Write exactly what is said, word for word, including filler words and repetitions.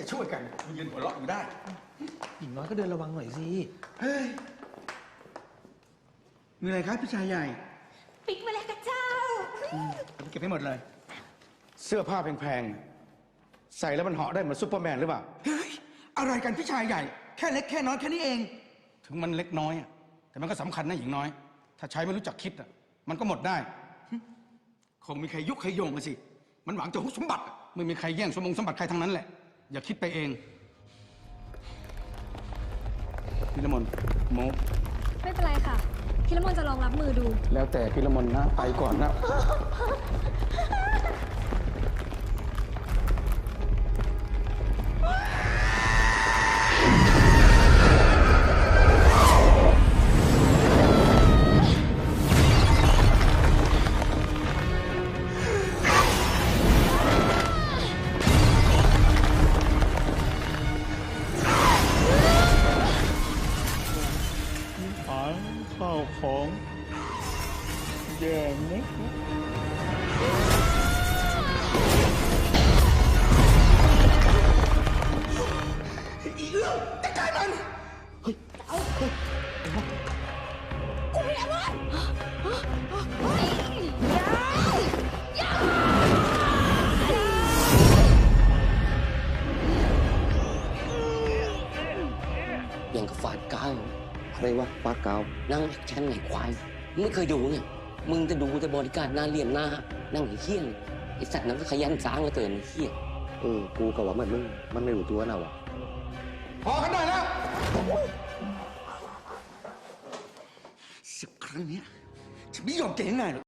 ช่วยกันมายืนหัวเราะอยู่ได้หญิงน้อยก็เดินระวังหน่อยสิเฮ้ยมีอะไรครับพี่ชายใหญ่ปิ๊กมาแล้วกับเจ้าเก็บให้หมดเลยเสื้อผ้าแพงๆใส่แล้วมันเหาะได้เหมือนซุปเปอร์แมนหรือเปล่าเฮ้ยอะไรกันพี่ชายใหญ่แค่เล็กแค่น้อยแค่นี้เองถึงมันเล็กน้อยอะแต่มันก็สำคัญนะหญิงน้อยถ้าใช้ไม่รู้จักคิดอะมันก็หมดได้คงมีใครยุใครโยงกันสิมันหวังจะฮุบสมบัติไม่มีใครแย่งสมบงสมบัติใครทั้งนั้นแหละอย่าคิดไปเองพี่ละมนโมไม่เป็นไรค่ะพี่ละมนจะลองรับมือดูแล้วแต่พี่ละมนนะไปก่อนนะข้าวของแย่ไหมอีเรื่องจัดการมันเฮ้ยเอาเฮ้ยกูไม่ทำมันอย่างกับฝาดกาวอะไรวะฝาดกาวนั่งชั้นไหนควายมึงไม่เคยดูไงมึงจะดูแต่บริการหน้าเรียนหน้านั่งไอ้เขี้ยนไอ้สัตว์นั้นก็ขยันสร้างแล้วเกินไอ้เขี้ยเออกูกับว่ามันมึงมันไม่รู้ตัวนะวะพอกันได้แล้วสิบครั้งนี้ฉันไม่ยอมแกง่ายหรอก